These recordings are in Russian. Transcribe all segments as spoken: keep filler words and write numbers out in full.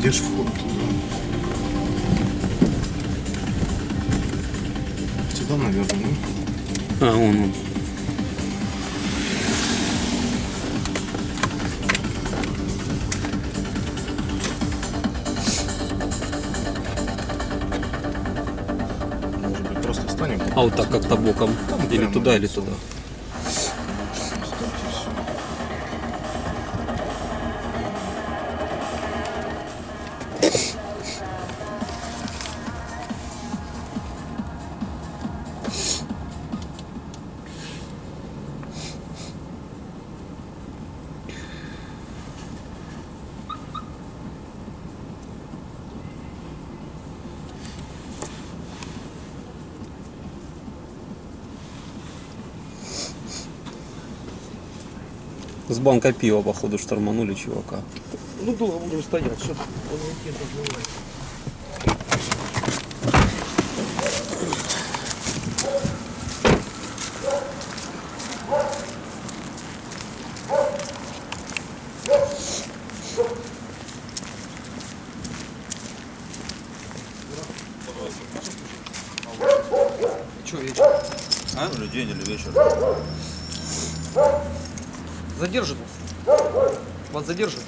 где ж вход туда? Сюда, наверное, ну? А, вон он. Может быть, просто станем? А вот так как-то боком. Там Или прямо туда, или лицом. туда. Ставьте всё. С банка пива, походу, шторманули чувака. Ну долго будем стоять, что он не разливает. Че вечер? А? Или день, или вечер. Задержит вас? Вас задержит?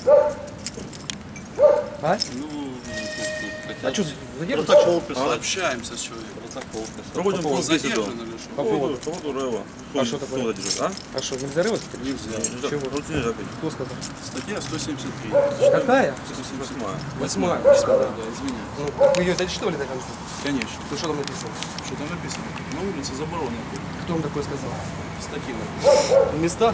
А? Ну, А что, задержит? протокол писать. Общаемся с человеком. Протокол писать. Проводим повод Задержан или что? По поводу? По поводу Рэва. А что такое? Кто задержит, а? А что, нельзя рывать? Нельзя. Чего? Ну, тебе нельзя пить. Кто сказал? Статья сто семьдесят три. Какая? сто семьдесят восьмая. Восьмая. Да, извини. Ну, так вы ее дочитывали до конца? Конечно. Ну, что там написано? Что там написано? На улице заборонено. Кто вам такое сказал? Статьи написано. В местах?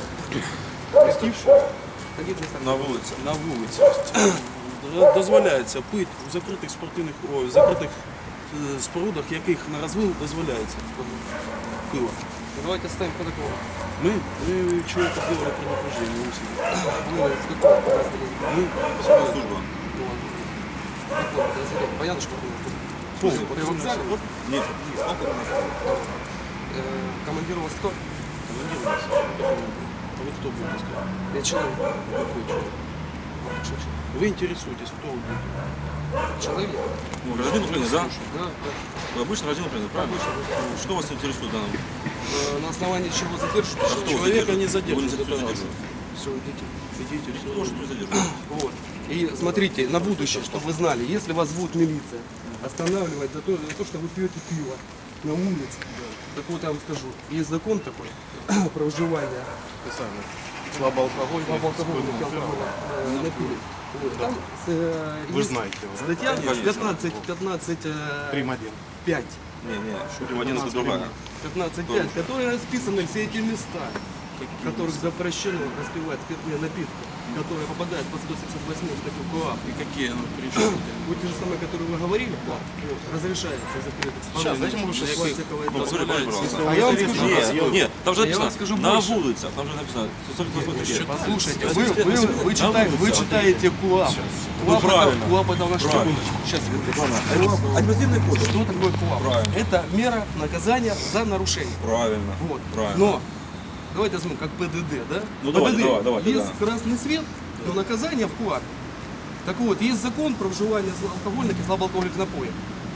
В каких местах? На улице. На вулиці. Дозволяється пити в закритих спортивних, ой, в закритих е, спорудах, яких на розвил дозволяється пиво. Давайте ставим протокол. Ми, ми чоловіка сделали предупреждение у себе. Вы с какого подразделения? Ми Служба. Какого подразделения? Понятно, что вы Служба. При вокзале? Вот, Нет. Сколько у нас? э, командир у вас кто? командир у нас. А вы кто будете сказать? Я человек. Какой человек? Что человек? Вы интересуетесь, кто вы будете? Человек. Ну, гражданин Украины, да? Да, да. Вы обычно гражданин Украины, правильно? Что вас интересует в данном? Э, На основании чего задержат? А что Человека не Вы задерживают. не это раз. задерживаете. Все, идите. Идите, все. Кто же не задерживает? Вот. И смотрите, на будущее, чтобы вы знали, если вас будет милиция останавливать за то, за то, что вы пьете пиво на улице, так вот я вам скажу, есть закон такой про вживание Специально. Слабоалкогольный. слабоалкогольных алкоголя э, напиток. Вот. Там э, Вы есть знаете его. статья Конечно. пятнадцать, пятнадцать, Прим один. пять. Не, не, Шурим один это другая. пятнадцать пять, которые расписаны все эти места, в которых запрещено распивать спиртные напитки, которые попадают под сто семьдесят восьмую статью КоАП. И какие оно причины? Вот те же самые, которые вы говорили, вот, разрешается закрытых Сейчас, дайте мы спортивных, сейчас пластиковые Ну, доски. говори, пожалуйста. А я вам скажу, Нет, нет, там же Я вам написано, скажу на больше. улице, там же написано, сорок восьмой статья. послушайте, вы, вы, вы, читаете, вы читаете КоАП. Ну, КоАП это, правильно. КоАП это наш Правильно. Сейчас, Административный кодекс. что такое КоАП? Правильно. Это мера наказания за нарушение. Правильно. Вот. Правильно. Но давайте возьмем как ПДД, да? Ну, ПДД давайте, давай, давайте, есть да. красный свет, но наказание в КоАП. Так вот, есть закон про вживание алкогольных и слабоалкогольных напоев.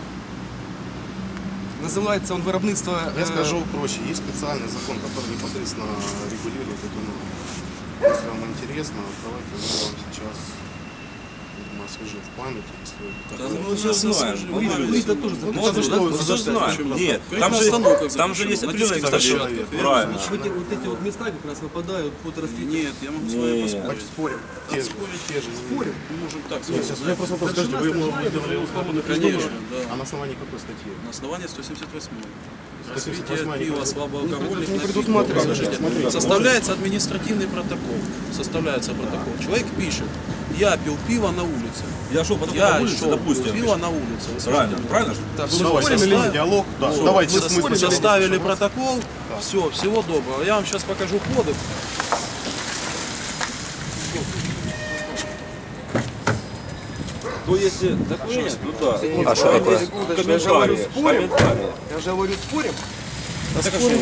Называется он виробництво... Я э, скажу проще. Есть специальный закон, который непосредственно регулирует эту норму. Если вам интересно, давайте я вам сейчас видимо, освежу в памяти, если Да, мы все знаем. Вы, вы это тоже Ну, записали, что, да? мы все знаем. Нет, Прямо там на же, остановках там же запишем. есть определенные, Водительский кстати, человек. правильно. Вот эти, вот эти вот места как раз выпадают под распитие. Нет, я могу с вами Нет. поспорить. спорим. Те же, Спорить те же. Спорим? Мы можем так Нет, сейчас сказать. я просто вопрос, скажите, вы ему выдавали условно Конечно, А да. на основании какой статьи? На основании сто семьдесят восьмой. сто семьдесят Распитие восьмая пива не слабоалкогольных не напитков. предусматривается. Подождите. Смотрите. Составляется административный протокол. Составляется протокол. Человек пишет, я пил пиво на улице. Я шел потом Я на улице, шел, допустим. пил пиво на улице. Вы Правильно, слышите? правильно же? Так, Ну, все, давай, Спорим состав- или не диалог? Да. Вот. Давайте Вы смысл. составили протокол. Все, всего доброго. Я вам сейчас покажу кодекс. То если документ, ну да. А что такое? Комментарии, Я же говорю, спорим. комментарии. Я же говорю, спорим. Там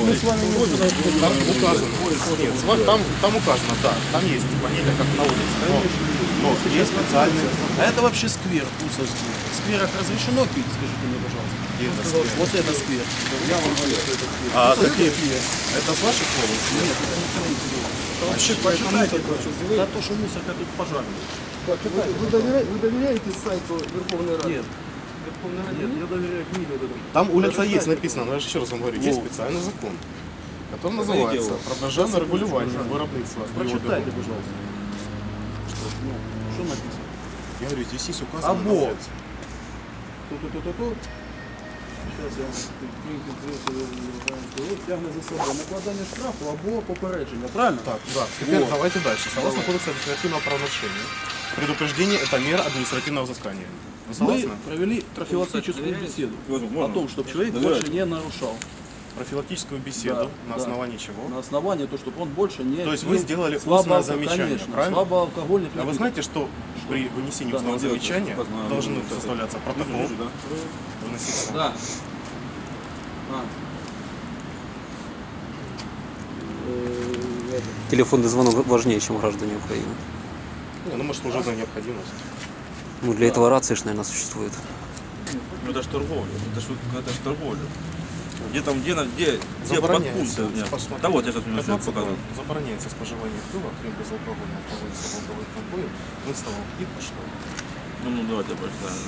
указано. Нет, сва- там, там указано, да. Там есть понятие, как на улице. Но есть специальные... А это вообще сквер Усовский. В скверах разрешено пить, скажите мне, пожалуйста. Где это сквер? Вот это сквер. Я вам говорю, что это сквер. А какие? Это с ваших слов? Нет, это не мои слова. Вообще, Почитайте, за то, что мусорка тут пожарная. Вы, доверяете, вы доверяете сайту Верховной Рады? Нет. Верховной Рады Нет, нет? я доверяю книге вот этому. Там улица есть написано, но я же еще раз вам говорю, есть Во. специальный закон, который называется дело. про державне регулювання виробництва. Прочитайте, пожалуйста. Что, ну, что написано? Я говорю, здесь есть указано. Або. на улице. Ту-ту-ту-ту-ту. Сейчас я вам тягне за собою накладання штрафу або попередження. Правильно? Так, да. Теперь Вот. давайте дальше. Согласно кодексу административного правонарушения, предупреждение – это мера административного взыскания. Вы Мы согласны? провели профилактическую беседу Можно? о том, чтобы человек Доверяете? больше не нарушал. Профилактическую беседу Да, на да. основании чего? На основании того, чтобы он больше не То есть пил вы сделали слабо- устное замечание, конечно, правильно? слабоалкогольных А вы напитков. знаете, что при вынесении Да, устного ну, делать замечания указано, должны ну, составляться протокол, Вижу, да? выноситься. Да. А. Э, это. Телефонный звонок важнее, чем граждане Украины. Не, ну может служебная необходимость. Ну, для этого рации, ж, наверное, существует. Ну это ж торговля, это ж, это ж торговля. Где там, где, на- где, где Забороняется. подпункты у меня? Посмотрите, Да вот я сейчас у меня человек пятнадцатого показывал. забороняется споживание пива, крем безалкогольного, алкоголя, алкоголь, напоев, выставок и пошло. Ну, ну давайте я прочитаю.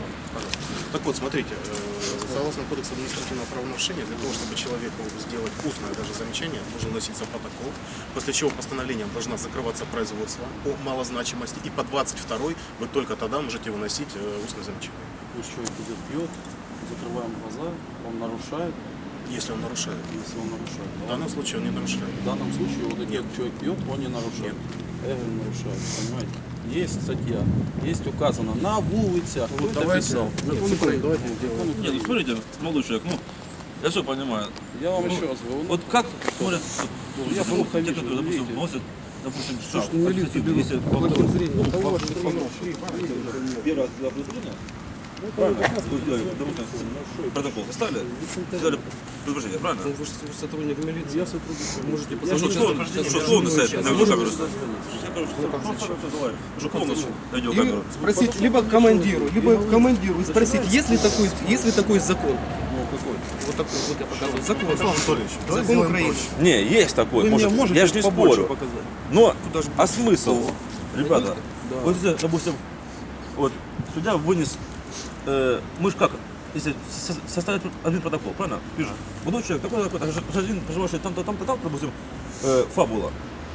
Так вот, смотрите, э, согласно кодексу административного правонарушения, для того, чтобы человеку сделать устное даже замечание, должен носиться протокол, после чего постановлением должна закрываться производство о малозначимости, и по двадцать второй вы только тогда можете выносить э, устное замечание, То есть человек идет, пьет, закрываем глаза, он нарушает, если он нарушает. если он нарушает. В данном случае он не нарушает. В данном случае вот идет человек пьет, он не нарушает. Эвель нарушает, понимаете? Есть статья, есть указано на улицах. Вот написал. Закон Украины, давайте Закон Нет, ну Украины. смотрите, молодой человек, ну, я все понимаю. Я вам еще раз говорю. Вот как смотрят, Ну, вот, я ну, плохо те, вижу, которые, допустим, видите? носят, допустим, Слушай, штраф, ну, милицию административный, берут если в по этом городу, зрении. ну, Того, по- что по- помнишь. первый раз для предупреждения, правильно? Вы сделали, допустим, протокол составили, сделали предупреждение, правильно? Вы же сотрудник милиции. Я сотрудник. Можете Ну, позвонить. что, что, что, что на сайте, на видеокамеру? Я, короче, просто давай, уже полностью на И видеокамеру. спросить либо командиру, либо командиру и спросить, есть ли такой, есть ли такой закон. Ну, какой? Вот такой, вот я показываю. Закон. Александр Анатольевич, давайте Закон сделаем Украины. проще. Не, есть такой, Вы мне может, можете я же не побольше спорю. показать? Но, Куда же а смысл, ребята, Да. вот если, допустим, вот судья вынес, э, мы же как, если со- составить один протокол, правильно? Пишет, молодой человек, такой такой, гражданин, проживающий там-то, там-то, там, допустим, э, фабула.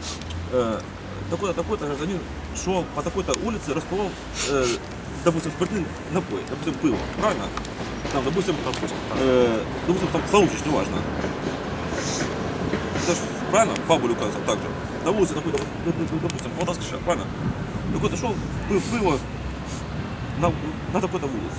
Э, такой-то, такой-то гражданин шел по такой-то улице, распивал, э, допустим, спиртный напой, допустим, пиво, правильно? Там, допустим, э, допустим, там соучишь, неважно. Это ж правильно? В фабуле указано так же. На улице какой-то, допустим, Полтавский, правильно? Какой-то шел, пил пиво на, на такой-то улице.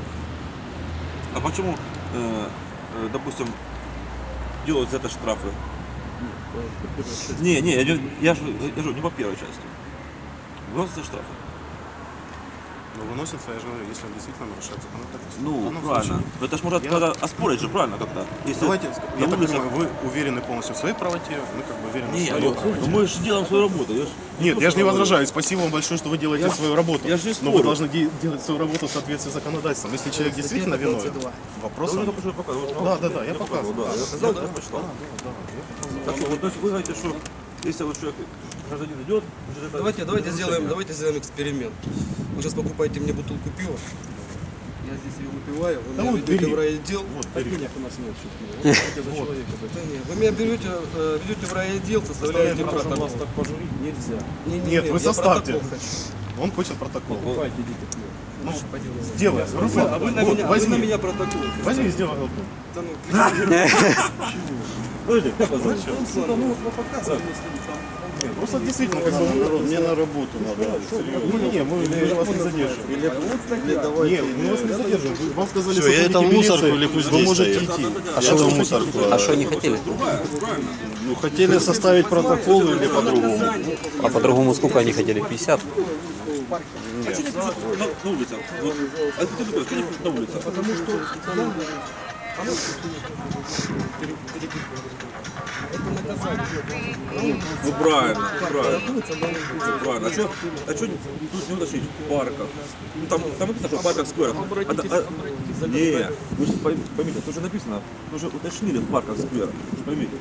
А почему, э, э, допустим, делают за это штрафы? Не, не, я, не- я же я же не по первой части. Выносятся штрафы. Но выносится, я же говорю, если он действительно нарушает законодательство. В Ну, данном правильно. случае- Это ж можно Я- надо оспорить же, правильно, как-то. Если Давайте, на я так улицах- понимаю, вы уверены полностью в своей правоте, мы как бы уверены в Не, своей ну, правоте. ну мы же делаем свою работу. Я ж Нет, я же не говорю. возражаю. Спасибо вам большое, что вы делаете Я- свою работу. я же не Но вы спорю. должны де- делать свою работу в соответствии с законодательством. Если человек действительно виновен, Да, вопрос. вы только что показывали. Да, да, да, я показывал, показывал. да. Я сказал, я почитал. Так что, вот, то есть вы говорите, что если вот человек, гражданин идет, значит, это Давайте, давайте сделаем, нарушение. давайте сделаем эксперимент. Вы сейчас покупаете мне бутылку пива. Я здесь ее выпиваю, вы Да меня вот ведете бери. в райотдел. Вот, Так бери. денег у нас нет чуть ли. за человека. Да нет, вы меня берете, э, ведете в райотдел, составляете Можем протокол. вас так пожурить нельзя. Не, не, Нет, не, вы я составьте. протокол хочу. Он хочет протокол. Покупайте, идите пиво. Ну, Лучше по делу. сделай. Руслан, А вы на вот, меня, а вы возьми. на меня протокол. Возьми, сделай глоток. Да ну, Подожди, как вас зовут? Ну, ну, вот показываем, если там. Нет, просто действительно, как бы, Мне на работу надо. не, не, мы, мы вас не задерживаем. Или, или давайте. Нет, мы вас не задерживаем. Вы- Вам сказали, Все, я это в сотрудники мусорку милиции, или пусть вы здесь можете стоит. идти. А что в мусорку? А что они хотели? Ну, хотели составить протокол или по-другому? А по-другому сколько они хотели? пятьдесят? А что не пишут на, на улицах? Вот, а ты такой, что не пишут на улицах? потому что это наказание. Ну правильно, правильно. Ну, правильно. А что, а что тут не уточнить в парках? Ну там, там написано, что в парках, скверах. А, а, не, вы же пойм- поймите, тут же написано, вы же уточнили в парках, скверах. Вы же поймите.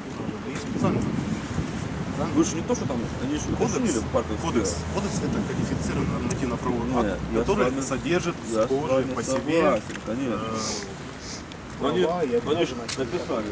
Вы же не то, что там, они же уточнили в парках, Кодекс. скверах. Кодекс это кодифицированный нормативно-правовой Нет, акт, я который с вами- содержит Я с схожие вами по себе согласен, конечно. э, Они, права и они же обязанности. написали.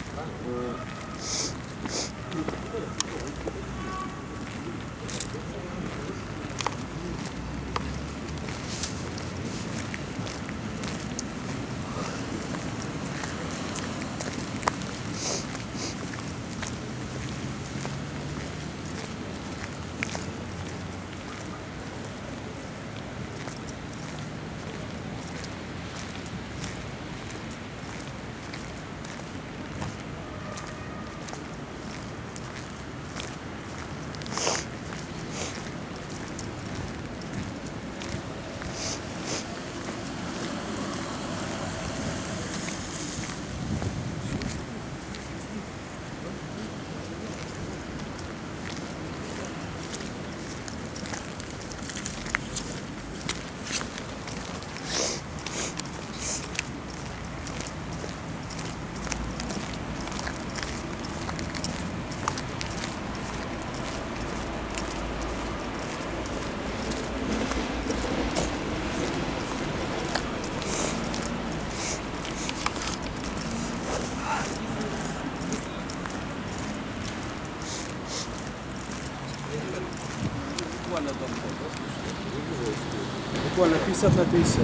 Буквально пятьдесят на пятьдесят.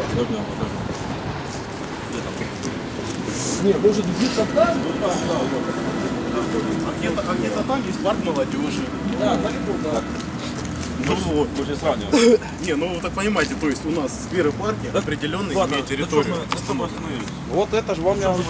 Не, может где-то там? А где-то, а где-то там есть парк молодежи. Да, далеко, да. Ну вот. Вы же сравниваете. Не, ну вы так понимаете, то есть у нас скверы парки определенные имеют территорию. Вот это же вам я уже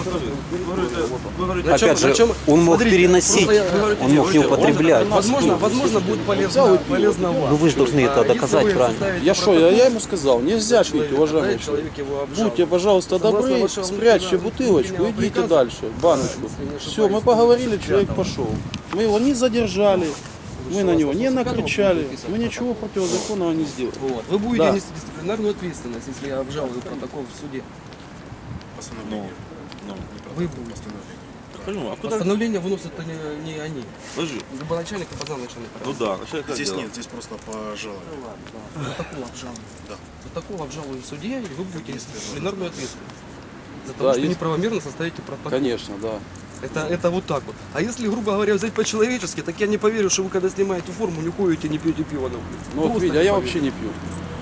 Опять же, Причем, он мог смотрите, переносить, просто я- он мог не употреблять. Возможно, возможно, будет полезно, полезно вам. Ну вы же должны это А если доказать, вы правильно? составите Я что, я, протокол, я ему сказал, нельзя что пить, уважаемый человек человек. его обжал. Будьте, пожалуйста, Согласно добры, вашего спрячьте внутреннего- бутылочку, внутреннего идите приказа, дальше, баночку. если не ошибаюсь, Все, мы поговорили, тысяча человек там. пошел. Мы его не задержали, мы на него не накричали, написано мы ничего противозаконного не сделали. Вот. Вы будете Да. нести дисциплинарную ответственность, если я обжалую протокол в суде. Постановление. Ну, Вы будете. Постановление. Почему? А куда? Постановление выносят не, не они. Подожди. Либо начальник, либо замначальник. Ну да, начальник Здесь отдела. нет, здесь просто по жалобе. Протокол обжалую. Да. Протокол обжалую в суде, и вы будете нести дисциплинарную ответственность. За то, Да, что есть- неправомерно составите протокол. Конечно, да. Это, это вот так вот. А если, грубо говоря, взять по-человечески, так я не поверю, что вы когда снимаете форму, не ходите, не пьете пиво на улице. Ну вот Просто видите, а не я поверю. вообще не пью.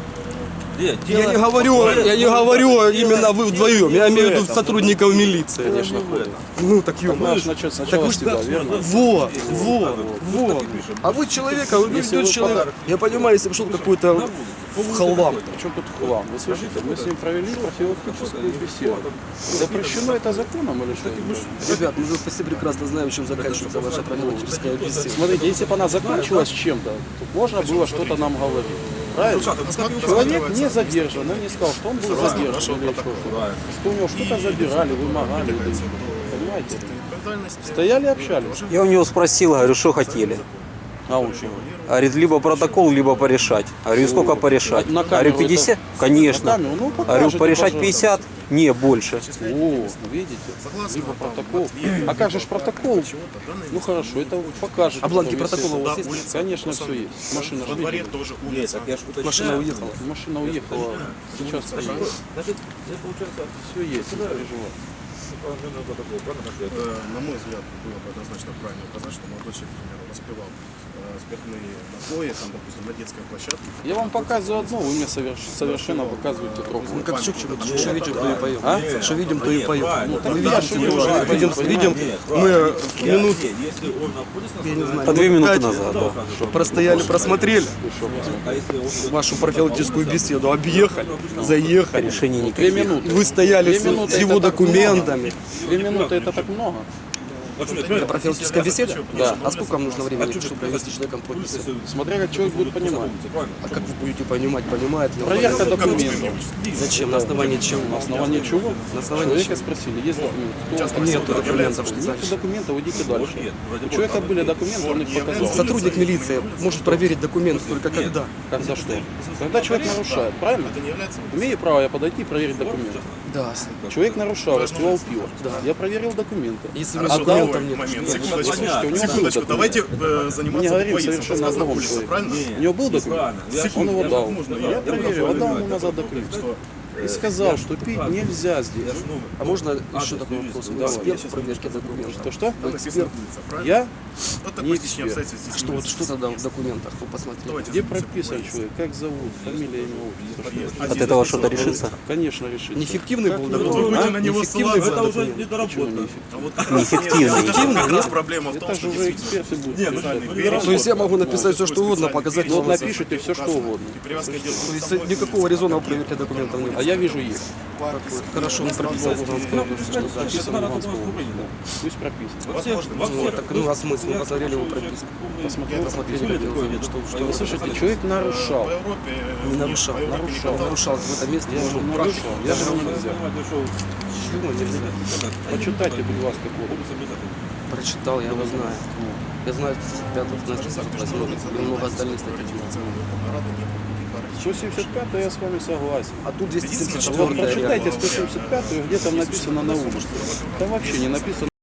Нет, Я дело- не говорю, я не говорю именно вы вдвоем, я имею в виду сотрудников милиции. Конечно, ходит. Ну так ё. Надо же начать сначала с себя, верно? Вот, вот, вот. А вы человека, вы Если ведете вы человека. Я понимаю, если бы шел какой-то халам. Причем тут хлам? Вы слышите, мы с ним провели профилактическую беседу. Запрещено это законом или что? Ребят, мы же все прекрасно знаем, чем заканчивается ваша профилактическая беседа. Смотрите, если бы она закончилась чем-то, то можно было что-то нам говорить. Правильно? Человек не задержан, он не сказал, что он был задержан или что, что у него что-то забирали, вымогали. Понимаете? Стояли, общались. Я у него спросил, говорю, что хотели. А он чего? Говорит, либо протокол, либо порешать. Говорю, и сколько порешать? На Говорю, камеру пятьдесят? это- Конечно. на камеру, ну, Говорю, покажете, порешать пожалуйста. пятьдесят? Не, больше. О, видите? Либо протокол. А как же ж протокол? Ну хорошо, это покажет. А бланки потом, если- протокола у вас Да, есть? улица, конечно, все есть. Машина Во же дворе видели. тоже улица. Машина уехала. Машина уехала. Сейчас стоит. Значит, это получается, Все есть, не переживай. положение протокол, правильно? Значит, Э, На мой взгляд, было бы однозначно правильно указать, что молодой человек, к примеру, распивал э, спиртные напои, там, допустим, на детской площадке. Я вам показываю одно, вы мне соверш- совершенно показываете другое. Ну как Чукчик, что видим, то и поем. А? Что видим, то и поем. правильно. Мы я видим, же что не мы знаю, видим, понимаете? видим, Нет, мы правильно. минут, Если- Если он находится на я не знаю, По две минуты пять назад, да. простояли, просмотрели а если он вашу профилактическую беседу, объехали, заехали. Решений Две никаких. минуты. Вы стояли Две с, минуты с его это так документами. Две минуты это так много. Это профилактическая беседа? Да. А сколько вам нужно времени, А чтобы провести с человеком подпись? Смотря как человек будет понимать. А как вы будете понимать, понимает ли он? Проверка документов. Зачем? На основании чего? На основании чего? На основании Человека чего? спросили, есть документы. Кто он? Нет документов, что Нет значит. документов, идите дальше. У человека были документы, он их показал. Сотрудник милиции может проверить документы только когда? Когда что? Когда человек нарушает, правильно? Это не является Имею право я подойти и проверить документы. Да. Человек нарушал, распивал пиво. Я проверил документы. Если у него А документов Второй нет, момент, что- секундочку, Слушайте, у него был секундочку, документ. давайте э, Мы не заниматься говорим буквоизмом. совершенно о Сказано другом улица, человеке. правильно? У него был документ? Он его дал. Я проверил, отдал ему назад документ. И сказал, что пить нельзя здесь. А можно еще такой вопрос? Вы Давай. эксперт в проверке документов? Что что? Там написано улица, правильно? Я? Вот не такое стечение эксперт. обстоятельств здесь Что, вот, имеется. что тогда в документах? Вы посмотрите. Давайте Где занимаемся прописан буквоизмом. человек? Как зовут? Фамилия, имя, отчество? А От здесь этого написано что-то решится? Конечно, решить. Неэффективный был Как Вот вы документ? будете А? на него Неэффективный ссылаться. был Это уже документ? не Почему доработка. неэффективно? А вот как раз Неэффективный. нет, это как раз проблема в том, Это что же уже эксперты будут. Нет, писать. специальный перечень. То есть я могу написать все, что угодно, показать Вот вам. напишите все, что угодно. И привязка делается То к есть самой никакого резонного проверки документов нет. А я вижу их. Хорошо, он прописал в Луганской области, что значит. Написано в Луганской области. Пусть прописано. Возможно, Ну, так, ну, а смысл? Мы посмотрели его прописку. Посмотрел. Посмотрели, как его зовут, что, что Вы вы слышите, человек нарушал. по Европе э, Не нарушал. по Европе не Нарушал. катался. нарушал в этом месте. Я же можно нарушал. Я же не нельзя. Чего нельзя? Почитайте, будь ласка, кодекс. Прочитал, я его знаю. Я знаю, пятый, и много остальных статей. сто семьдесят пятое я с вами согласен. А тут двести семьдесят Вот четвёртая. прочитайте сто семьдесят пятую, где там написано на улице. Там вообще не написано.